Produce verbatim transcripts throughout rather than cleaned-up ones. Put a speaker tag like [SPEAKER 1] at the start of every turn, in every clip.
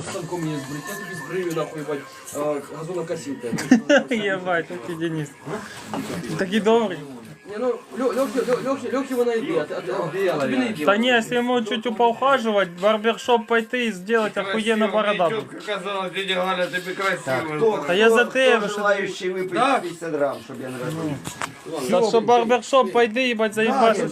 [SPEAKER 1] с станком не сбрить, я тебе сбрию нахуй, ебать, газонокосилка.
[SPEAKER 2] Єбать, який Денис. Такий добрий.
[SPEAKER 1] Не, ну, легкий вона йде, а тобі не йде.
[SPEAKER 2] Та ні, якщо йому чуть поухаживать, в барбершоп пойти і зробити охуєнно бороду.
[SPEAKER 3] Казала, дядя Галя, тобі красиво.
[SPEAKER 2] Та я за тебе, що...
[SPEAKER 4] Желающий выпить пятьдесят грамм, чтобы я не разбил.
[SPEAKER 2] Та що барбершоп пойди, їбать, заїбашиш.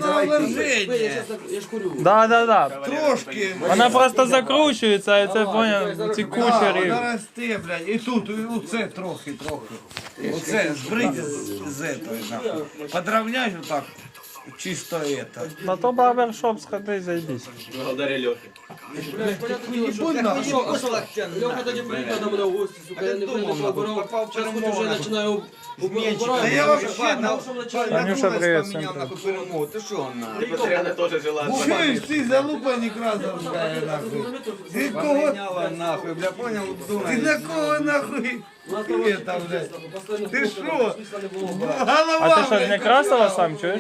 [SPEAKER 1] Я ж курю.
[SPEAKER 2] Да, да, да.
[SPEAKER 3] Трошки.
[SPEAKER 2] Вона просто закручується, і це, поняв, ці кучері.
[SPEAKER 3] Зараз ти, блядь, і тут, і оце трохи, трохи. Оце, збрити з, з этого, нахуй. Подравняй отак, чисто это.
[SPEAKER 2] На то барбершоп сходи, заїбись.
[SPEAKER 5] Благодаря Лехе.
[SPEAKER 1] Блядь, понятно дело, что Леха тоді приїхав до мене в гості, сука, я не прийду, що обирав. Зараз хоч уже починаю убирати.
[SPEAKER 3] Да я вообще, на,
[SPEAKER 2] Танюша, привет, всем
[SPEAKER 3] вспоминал, нахуй, перемогу. Ты шо, нахуй?
[SPEAKER 5] Ты постоянно тоже желаешь.
[SPEAKER 3] Чуєш, ти залупа некрасовська, нахуй. Ти кого?
[SPEAKER 4] нахуй, бля, понял?
[SPEAKER 3] Ти на кого, нахуй? Это, блядь. Ти шо? Голова,
[SPEAKER 2] А ти що, з
[SPEAKER 3] блядь,
[SPEAKER 2] Некрасова сам, чуєш?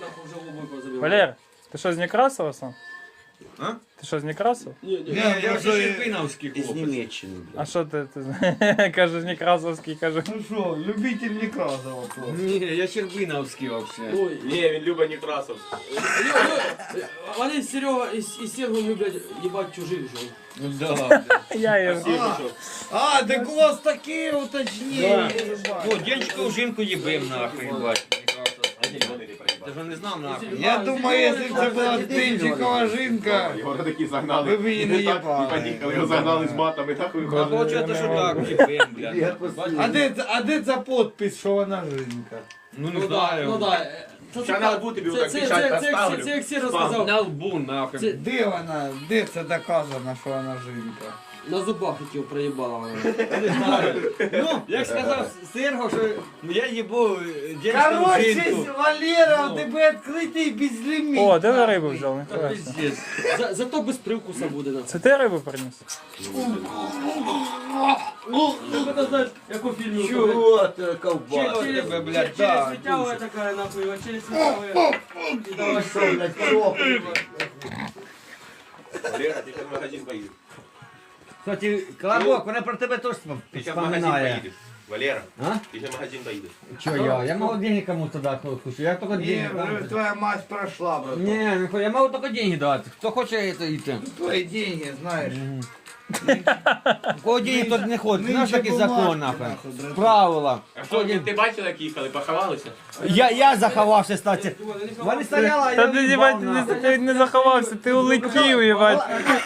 [SPEAKER 2] Валер, ти що, з Некрасова сам?
[SPEAKER 5] А?
[SPEAKER 2] Ти що, з Некрасова?
[SPEAKER 1] Ні, ні.
[SPEAKER 3] Не, я вже...
[SPEAKER 5] Шерпиновский
[SPEAKER 4] Из Немеччины,
[SPEAKER 2] А що ти, ти кажеш, Некрасовський, кажу.
[SPEAKER 3] Ну шо, любитель Некрасова.
[SPEAKER 5] Не, я Щербиновский вообще.
[SPEAKER 1] Ой,
[SPEAKER 5] Не, він Люба Некрасов.
[SPEAKER 1] Вони з Серега і з Сергом люблять їбать чужих жен.
[SPEAKER 5] Ну да, блядь.
[SPEAKER 2] Я її.
[SPEAKER 3] А, так у вас такі уточнення.
[SPEAKER 5] Ну, дівчинку жінку їбим нахуй, їбать. Ти ж не знав нахуй.
[SPEAKER 3] Я думаю, якщо б це була Тинчикова жінка,
[SPEAKER 5] Його такі загнали.
[SPEAKER 3] ви б її не їбали.
[SPEAKER 5] Поїхали, його загнали з матами, нахуй.
[SPEAKER 6] А получается, що так, їбим, блядь.
[SPEAKER 3] А де, це- а де ця підпис, що вона жінка?
[SPEAKER 6] Ну не
[SPEAKER 1] Ну да,
[SPEAKER 6] знаю.
[SPEAKER 1] ну да. Це
[SPEAKER 5] Ща на лбу тобі
[SPEAKER 1] це-
[SPEAKER 5] отак
[SPEAKER 1] це-
[SPEAKER 5] печать
[SPEAKER 1] це- це-
[SPEAKER 5] поставлю.
[SPEAKER 1] Це як Сера сказав.
[SPEAKER 6] На лбу, нахуй.
[SPEAKER 1] Це-
[SPEAKER 3] Де вона, де це доказано, що вона жінка?
[SPEAKER 1] На зубах хотів проїбала вона.
[SPEAKER 6] Ну, як сказав Серго, що я їбу дівчинку
[SPEAKER 3] Короче,
[SPEAKER 6] жінку.
[SPEAKER 3] Валера, у тебе відкритий безліміт.
[SPEAKER 2] О, де ви рибу взяв? Ніхуя собі.
[SPEAKER 6] Пиздец.
[SPEAKER 1] За- Зато без привкуса буде. на.
[SPEAKER 2] Це ти рибу приніс?
[SPEAKER 1] Ти мене знаєш, як у фільмі.
[SPEAKER 4] Чего ты, колбас?
[SPEAKER 6] Чего тебе, блядь,
[SPEAKER 1] Через
[SPEAKER 6] да,
[SPEAKER 1] светявая такая нахуй, вот через светявая. И давай
[SPEAKER 4] Что, блядь, коробка?
[SPEAKER 5] Валера, ти в магазин поїдеш.
[SPEAKER 6] Кстати, Колобок, вона про тебе теж
[SPEAKER 5] Ти ще в магазин
[SPEAKER 6] вспоминає.
[SPEAKER 5] поїдеш. Валера,
[SPEAKER 6] А?
[SPEAKER 5] ти ще в магазин поїдеш.
[SPEAKER 6] Чё я? Я могу деньги кому-то дать, кто хочет. Я только
[SPEAKER 3] Ні,
[SPEAKER 6] деньги
[SPEAKER 3] вже
[SPEAKER 6] дам.
[SPEAKER 3] твоя мать пройшла, брат.
[SPEAKER 6] Не, нихуя, я могу только деньги дать. Кто хочет это и ты.
[SPEAKER 3] Твої деньги, знаєш.
[SPEAKER 6] У кого деньги, тот не ходит. Знаешь,
[SPEAKER 3] Нынче
[SPEAKER 6] такие
[SPEAKER 3] бумажки,
[SPEAKER 6] законы, нахуй.
[SPEAKER 3] нахуй, брат.
[SPEAKER 6] Правила.
[SPEAKER 5] А що, ти бачила, як їхали, поховалися?
[SPEAKER 6] Я, я заховався, кстати. Вони стояла, а
[SPEAKER 2] Та
[SPEAKER 6] я
[SPEAKER 2] ти
[SPEAKER 6] уїбав,
[SPEAKER 2] їбать,
[SPEAKER 6] нахуй.
[SPEAKER 2] не, ти не заховався, ти улетів, їбать.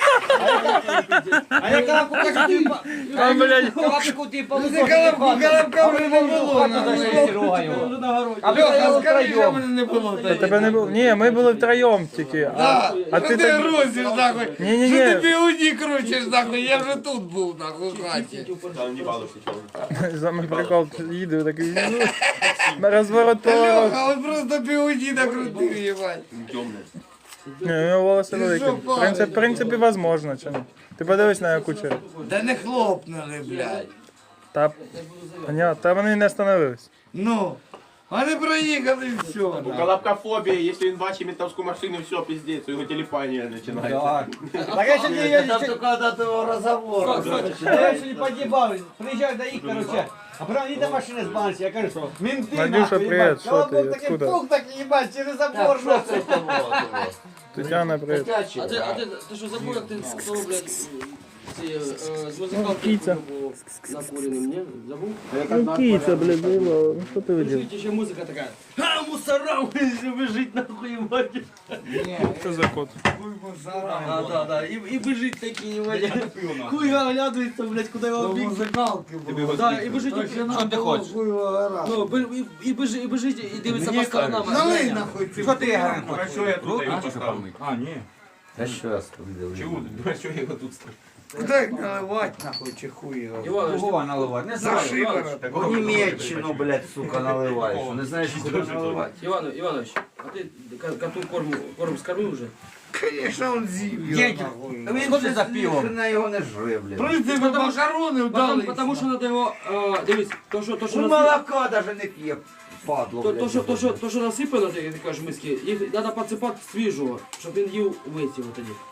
[SPEAKER 6] А я Колобку кажу, ти по...
[SPEAKER 2] А, блядь.
[SPEAKER 6] Колобку ти по
[SPEAKER 3] Ну, це Колобку, Колобка вже не було, нахуй.
[SPEAKER 6] А
[SPEAKER 3] Льоха, скажи, що
[SPEAKER 6] втроєм.
[SPEAKER 3] мене не було.
[SPEAKER 2] Та тебе не було. Ні, ми були втроєм тільки. А,
[SPEAKER 3] Да,
[SPEAKER 2] а
[SPEAKER 3] що
[SPEAKER 2] ти
[SPEAKER 3] ти
[SPEAKER 2] так...
[SPEAKER 3] грузиш, нахуй?
[SPEAKER 2] Ні-ні-ні.
[SPEAKER 3] Що ти бігуді крутиш, нахуй? Я вже тут був, нахуй, в хаті.
[SPEAKER 5] Там не балувався чого.
[SPEAKER 2] Самий прикол, їду такий, ну, на розворот
[SPEAKER 3] Та
[SPEAKER 2] поворот.
[SPEAKER 3] Льоха, он просто бігуді накрутив, їбать.
[SPEAKER 5] Темне.
[SPEAKER 2] Ні, у нього волоси
[SPEAKER 3] Ти
[SPEAKER 2] великі.
[SPEAKER 3] що,
[SPEAKER 2] В принципі, в принципі, возможно, чи не? Ти подивись на кучері.
[SPEAKER 3] Да не хлопнули, блядь.
[SPEAKER 2] Та, понятно, та вони не остановились.
[SPEAKER 3] Ну, вони проїхали і все.
[SPEAKER 5] У
[SPEAKER 3] нахуй.
[SPEAKER 5] Колобка фобія, якщо він бачить ментовську машину, все, пиздець, у його телефонія починається.
[SPEAKER 6] Так я ще
[SPEAKER 4] Это
[SPEAKER 6] не...
[SPEAKER 4] только от этого разговора.
[SPEAKER 6] Я ще не погибав. Приїжджаю до їх, короче. А потім вони до машини збалися, я кажу, що менти
[SPEAKER 2] Надюша,
[SPEAKER 6] нахуй,
[SPEAKER 2] привіт,
[SPEAKER 6] їбать.
[SPEAKER 2] що
[SPEAKER 6] Колобок
[SPEAKER 2] ти,
[SPEAKER 6] такий
[SPEAKER 2] откуда?
[SPEAKER 6] пух такий, їбать, через забор,
[SPEAKER 4] Так, что
[SPEAKER 6] нахуй.
[SPEAKER 4] это было?
[SPEAKER 2] Тетяна, привіт.
[SPEAKER 1] А ти, а ти, ти що забув, як ти сказав, блядь, ці, е, з музикалки
[SPEAKER 2] Кіця.
[SPEAKER 1] був накуреним, ні? Забув?
[SPEAKER 2] Ну, киця, блядь, заїбала. Ну, що ти видів?
[SPEAKER 1] Слушайте, ще музика така. А, мусора, бежить нахуй, ебать.
[SPEAKER 2] Що за кот?
[SPEAKER 3] Хуй мусора.
[SPEAKER 1] А, да, да, и, и бежит такие, ебать. Хуй оглядывается, блядь, куда его
[SPEAKER 3] До
[SPEAKER 1] бить.
[SPEAKER 3] музикалки було.
[SPEAKER 1] Да, и бежит, и,
[SPEAKER 6] Що ти хочеш?
[SPEAKER 1] ну, бе- і, і, бежи, і бежить, і дивиться по сторонам.
[SPEAKER 3] Налий нахуй цю.
[SPEAKER 6] Що ти, Ігор, хочеш?
[SPEAKER 5] А що я тут його поставив?
[SPEAKER 6] А, ні.
[SPEAKER 4] Да сейчас там
[SPEAKER 5] Чого? А що я його тут ставив?
[SPEAKER 3] Куди їх наливати нахуй, чи хуй його?
[SPEAKER 1] Иванович,
[SPEAKER 6] Кого наливати? Не
[SPEAKER 3] За
[SPEAKER 6] знаю.
[SPEAKER 3] шиворот.
[SPEAKER 4] В Немеччину, блядь, сука, наливаешь. Не знаешь, куда наливать.
[SPEAKER 1] Иван, Иванович, а ты ко- коту корм, корм скормил уже?
[SPEAKER 3] Конечно, он з'їв його
[SPEAKER 6] Дядька,
[SPEAKER 3] нахуй.
[SPEAKER 6] а він ходить за пивом.
[SPEAKER 4] Хрена його не жре, блядь.
[SPEAKER 3] Прийти ви макарони
[SPEAKER 1] Потому,
[SPEAKER 3] вдали.
[SPEAKER 1] потому что надо его, э, дивись, то, что, то, что,
[SPEAKER 4] Ну,
[SPEAKER 1] насып-
[SPEAKER 4] молока даже не п'є, падло,
[SPEAKER 1] то,
[SPEAKER 4] блядь.
[SPEAKER 1] то, що, то, що, то, що насипано, ти, ти кажеш, миски, їх треба підсипати свіжого, щоб він їв весь його тоді.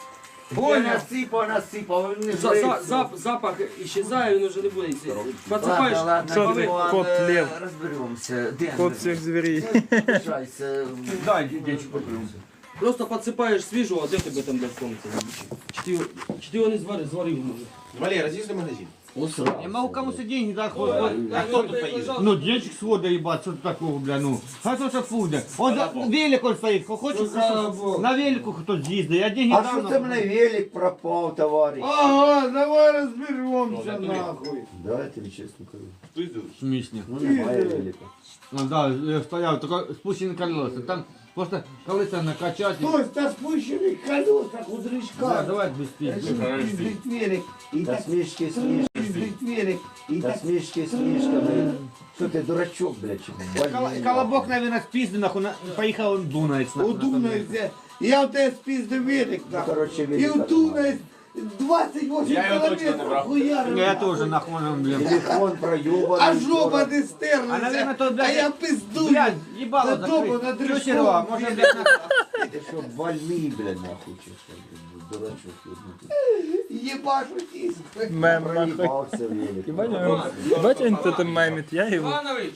[SPEAKER 4] Я насипав, насипав, він не
[SPEAKER 1] За, за,
[SPEAKER 4] злився.
[SPEAKER 1] зап, запах исчезає, він вже не буде. Подсипаєш,
[SPEAKER 4] Ладно, ладно,
[SPEAKER 2] Що ти,
[SPEAKER 4] Дімон,
[SPEAKER 2] кот
[SPEAKER 4] е,
[SPEAKER 2] Лев?
[SPEAKER 4] Розберемося. Де
[SPEAKER 2] Кот всех зверей.
[SPEAKER 4] Лишайся.
[SPEAKER 6] Дай, дядечку, попробуй.
[SPEAKER 1] просто подсипаєш свіжого, а де тебе там для сонця? Чи ти, його- чи ти його не зварив, зварив може?
[SPEAKER 7] Валера, з'їзди в магазин.
[SPEAKER 6] Я могу кому-то деньги дать, хоть, хоть.
[SPEAKER 7] А хто тут поїде?
[SPEAKER 6] Ну, денчик свода ебать, что такого, бля, ну. А то что фуда? Он за велик он стоит, хочет на велику кто-то съездит, я деньги
[SPEAKER 4] А
[SPEAKER 6] дам.
[SPEAKER 4] що це мене велик пропав, товариш?
[SPEAKER 3] Ага, давай розберемося нахуй.
[SPEAKER 4] Давайте чесно кажу.
[SPEAKER 6] В смысле?
[SPEAKER 4] Ну немає велика.
[SPEAKER 6] Ну да, я стоял, только спущенные колеса. Там просто колеса накачать. и-
[SPEAKER 3] Хтось на спущених колесах у
[SPEAKER 6] Да,
[SPEAKER 3] дрючка.
[SPEAKER 6] давай без пизды.
[SPEAKER 3] Пиздить велик. І
[SPEAKER 4] Та
[SPEAKER 3] так
[SPEAKER 4] смішки, смішки.
[SPEAKER 3] пиздить велик. І
[SPEAKER 4] Та
[SPEAKER 3] так
[SPEAKER 4] смішки, смішками. Що ти, дурачок, блядь, чи
[SPEAKER 6] Кол-
[SPEAKER 4] больний,
[SPEAKER 6] Колобок, наверное, спизды, нахуй, на- поехал он Дунаец. нахуй, на том месте.
[SPEAKER 3] удумається. Я в тебе спіздив велик
[SPEAKER 4] Ну,
[SPEAKER 3] нахуй.
[SPEAKER 4] короче,
[SPEAKER 3] І
[SPEAKER 4] велика
[SPEAKER 3] удумається двадцять вісім кілометрів хуярив.
[SPEAKER 6] Я тоже, нахуй, он, блин.
[SPEAKER 4] Телефон проебаний.
[SPEAKER 3] А жопа не стерлася.
[SPEAKER 6] А, наверное, то,
[SPEAKER 3] А
[SPEAKER 6] блядь,
[SPEAKER 3] я пиздую.
[SPEAKER 6] Блядь, ебало
[SPEAKER 3] Додому на
[SPEAKER 6] закрыть. Чё,
[SPEAKER 3] дрючку.
[SPEAKER 6] Серега, может, блядь, на-
[SPEAKER 4] Ти що, больний, блядь, нахуй, чи що, блядь, дурачок. ебнутий.
[SPEAKER 3] Єбашу тиск.
[SPEAKER 2] Мем нахуй.
[SPEAKER 4] Проїбався велик.
[SPEAKER 2] Ебать он тут мемит, я его.
[SPEAKER 1] Иванович!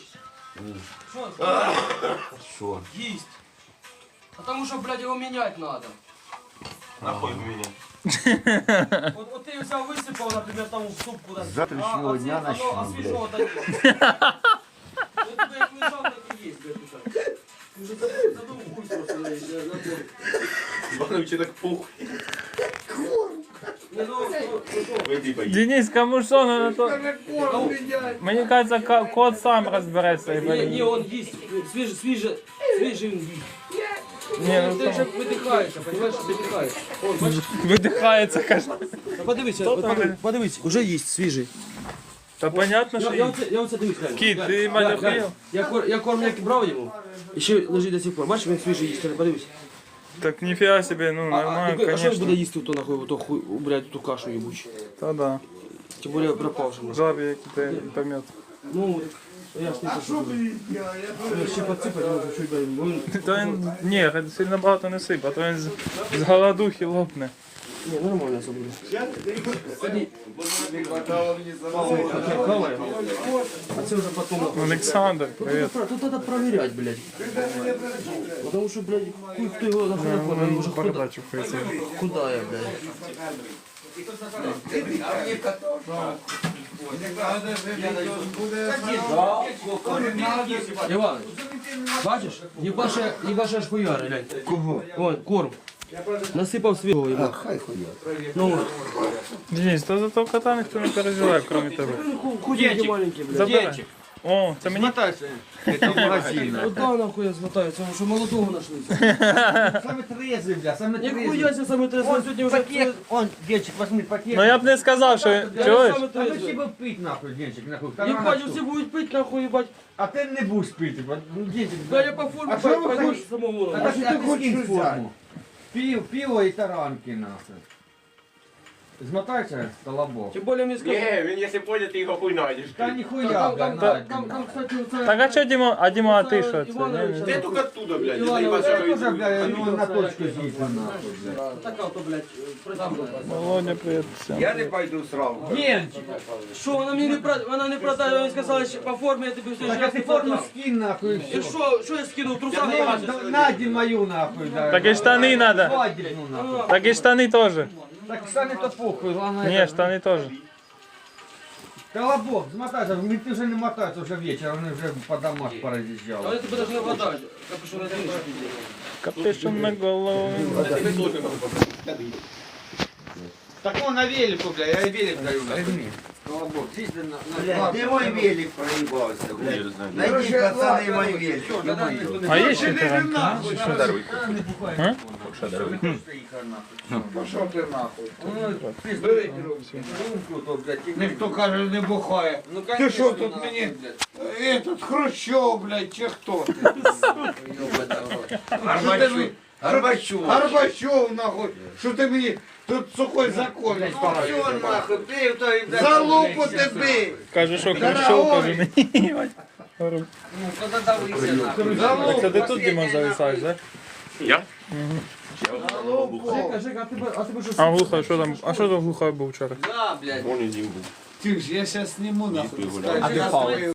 [SPEAKER 4] Що?
[SPEAKER 1] Есть! Потому что, блядь, его менять надо.
[SPEAKER 7] Нахуй мене.
[SPEAKER 1] Вот, вот ты взял, высыпал, например, там в суп куда-то.
[SPEAKER 4] С завтрашнего
[SPEAKER 1] а, а
[SPEAKER 4] дня
[SPEAKER 1] све-
[SPEAKER 4] начнем,
[SPEAKER 1] оно- А
[SPEAKER 4] блядь.
[SPEAKER 1] свежего-то нет. Вот тебе как лежал, так и есть, блядь, тут. Уже забыл, забыл хуй просто, блядь, я забыл.
[SPEAKER 7] Івановичу так пух.
[SPEAKER 1] Не, ну, ну, ну, что?
[SPEAKER 7] Вийди поїдь.
[SPEAKER 2] Денис, кому що на то? Мені кажется, ко- кот сам розбереться. і
[SPEAKER 1] Не,
[SPEAKER 2] поїде.
[SPEAKER 1] не, он есть, свежий, свежий, свежий он есть.
[SPEAKER 2] Не,
[SPEAKER 1] Он
[SPEAKER 2] ну
[SPEAKER 1] даже выдыхается, понимаешь, выдыхается. Он, бачиш?
[SPEAKER 2] видихається, каже.
[SPEAKER 1] Ну, подивись,
[SPEAKER 2] Хто
[SPEAKER 1] от
[SPEAKER 2] там?
[SPEAKER 1] подивись, подивись, уже есть свежий.
[SPEAKER 2] Та понятно,
[SPEAKER 1] Я,
[SPEAKER 2] що
[SPEAKER 1] я,
[SPEAKER 2] є.
[SPEAKER 1] оце, я оце дивись, глянь.
[SPEAKER 2] Кіт,
[SPEAKER 1] Глянь,
[SPEAKER 2] ти
[SPEAKER 1] глянь,
[SPEAKER 2] мене
[SPEAKER 1] глянь.
[SPEAKER 2] охуєв?
[SPEAKER 1] Я, кор, я кормляк брав йому, і ще лежить до сих пор. Бачиш, він свіжий їсть, подивись.
[SPEAKER 2] Так ніфіга собі, ну
[SPEAKER 1] А, а,
[SPEAKER 2] нормально,
[SPEAKER 1] а що він буде
[SPEAKER 2] конечно.
[SPEAKER 1] їсти то нахуй, то хуй, блядь, ту кашу їбучу.
[SPEAKER 2] Та да.
[SPEAKER 1] Тим більше пропавшому.
[SPEAKER 2] Жабі, який ти помет.
[SPEAKER 1] Ну, я ж не кажу. Я ще підсипати можу, чуть дай. Він,
[SPEAKER 2] То він, ні, сильно багато не сип, а то він з, з голодухи лопне.
[SPEAKER 1] ні, нормально все буде. Ході. Хавай. А це вже потім.
[SPEAKER 2] Олександр, привіт.
[SPEAKER 1] Тут треба перевіряти, блядь. Потому що, блядь, хуй хто його нахуй не формує, він вже худа-
[SPEAKER 2] Бардачу хується.
[SPEAKER 1] худає, блядь. Іванович, бачиш, їбаше, їбаше аж хуяри, глянь. Кого? Вон, корм. Насипав свіжого, їба.
[SPEAKER 4] Хай хуя.
[SPEAKER 1] Ну, от.
[SPEAKER 2] Денис, то за того кота ніхто не переживає, крім тебе.
[SPEAKER 1] Ну, худенький маленький, блядь.
[SPEAKER 2] Забирай. О, це мені?
[SPEAKER 6] Смотайся. Это магазин.
[SPEAKER 1] От да, нахуй я змотаю, це що молодого знайшли.
[SPEAKER 6] Самый трезвый, бля, самый трезвый.
[SPEAKER 1] Ніхуя себе саме трезво, сьогодні вже...
[SPEAKER 6] Пакет, он, денчик, возьми пакет.
[SPEAKER 2] Ну я б не сказав, що
[SPEAKER 1] Я
[SPEAKER 2] чуєш?
[SPEAKER 1] саме
[SPEAKER 6] А ну
[SPEAKER 1] трезвий.
[SPEAKER 6] тебе пить нахуй, денчик, нахуй.
[SPEAKER 1] Їбать, всі будуть пити, нахуй, їбать.
[SPEAKER 6] А ты не будешь пить, ебать. Ну, денчик,
[SPEAKER 1] Да я по формі
[SPEAKER 3] А що ви
[SPEAKER 1] пойду
[SPEAKER 3] хочете?
[SPEAKER 1] самому.
[SPEAKER 6] А
[SPEAKER 1] нахуй.
[SPEAKER 6] ты, а ты скинь форму. Пиво, пиво и таранки, нахуй. Змотайся, колобок.
[SPEAKER 1] Тим більше мені сказали.
[SPEAKER 7] Ні, він якщо пойде, ти його хуй знайдеш.
[SPEAKER 6] Да нихуя,
[SPEAKER 1] Там,
[SPEAKER 6] бля,
[SPEAKER 1] там,
[SPEAKER 6] на,
[SPEAKER 1] там, там, там, кстати, оце...
[SPEAKER 2] Так а що Діма, а Діма, а ти що це?
[SPEAKER 1] Іванович,
[SPEAKER 2] Ні, ні.
[SPEAKER 7] Ти тільки оттуда, блядь, не
[SPEAKER 1] Іванович,
[SPEAKER 7] заїбався,
[SPEAKER 6] Я
[SPEAKER 7] що
[SPEAKER 6] тоже,
[SPEAKER 7] йду.
[SPEAKER 6] бля, ну, на точку здесь, нахуй, бля.
[SPEAKER 1] Така то, блядь, присутка.
[SPEAKER 2] Володя, привіт. всім.
[SPEAKER 3] Я не пойду сразу.
[SPEAKER 6] Денчик,
[SPEAKER 1] Що, вона мені не продає, вона не продає, вона сказала, що по формі я тобі все
[SPEAKER 6] так а
[SPEAKER 1] життя
[SPEAKER 6] ты
[SPEAKER 1] не
[SPEAKER 6] форму
[SPEAKER 1] продав.
[SPEAKER 6] скинь, нахуй, и
[SPEAKER 1] І
[SPEAKER 6] все.
[SPEAKER 1] що, що я скинув, труса
[SPEAKER 6] Ну,
[SPEAKER 1] бачиш?
[SPEAKER 6] да- Надень мою, нахуй, да.
[SPEAKER 2] Так и штаны надо.
[SPEAKER 6] Свадебну, нахуй.
[SPEAKER 2] Так і штани теж.
[SPEAKER 6] Так штаны то похуй, главное.
[SPEAKER 2] Ні,
[SPEAKER 6] это-
[SPEAKER 2] штани теж.
[SPEAKER 6] Колобок, смотайся, мы- ты уже не мотайся, уже вечер, он уже по домах
[SPEAKER 1] А
[SPEAKER 6] поразъезжал.
[SPEAKER 1] я тебе даже не вгадаю, капюшон розумієш.
[SPEAKER 2] Капюшон на голову.
[SPEAKER 6] Так он на велику, бля, я и велик даю. Возьми. Колобок, здесь на, на,
[SPEAKER 4] Блядь, де мой велик проїбався, блядь? Найди, пацани, мой велик. ё-моё.
[SPEAKER 2] А є ще таранки? А?
[SPEAKER 3] Пошов ти нахуй.
[SPEAKER 6] Бери то, блядь,
[SPEAKER 3] Ніхто каже, не бухає.
[SPEAKER 6] Ну,
[SPEAKER 3] Ти
[SPEAKER 6] конечно,
[SPEAKER 3] що тут
[SPEAKER 6] нахуй,
[SPEAKER 3] мені?
[SPEAKER 6] блядь.
[SPEAKER 3] Этот Хрущов, блядь, чи хто ти?
[SPEAKER 4] Горбачов. Горбачов.
[SPEAKER 3] Горбачов, нахуй. Що ти мені тут сухой закон ставиш?
[SPEAKER 4] Всё, нахуй, пив то і
[SPEAKER 3] За лупу тебе!
[SPEAKER 2] Каже, що Хрущов, каже, мені.
[SPEAKER 6] Ну, тогда давайся, нахуй.
[SPEAKER 3] За
[SPEAKER 2] Так це
[SPEAKER 3] лупу!
[SPEAKER 2] ти тут, Діма, зависаєш, так?
[SPEAKER 7] Я?
[SPEAKER 1] Жека, Жека, а тебе, а тебе що?
[SPEAKER 2] А глухо, що там? А що там глухо був вчора?
[SPEAKER 1] Да, блядь.
[SPEAKER 7] Вон і Дім був.
[SPEAKER 3] Тих ж, я зараз зніму нахуй.
[SPEAKER 7] Діти гуляють.
[SPEAKER 3] Скажи,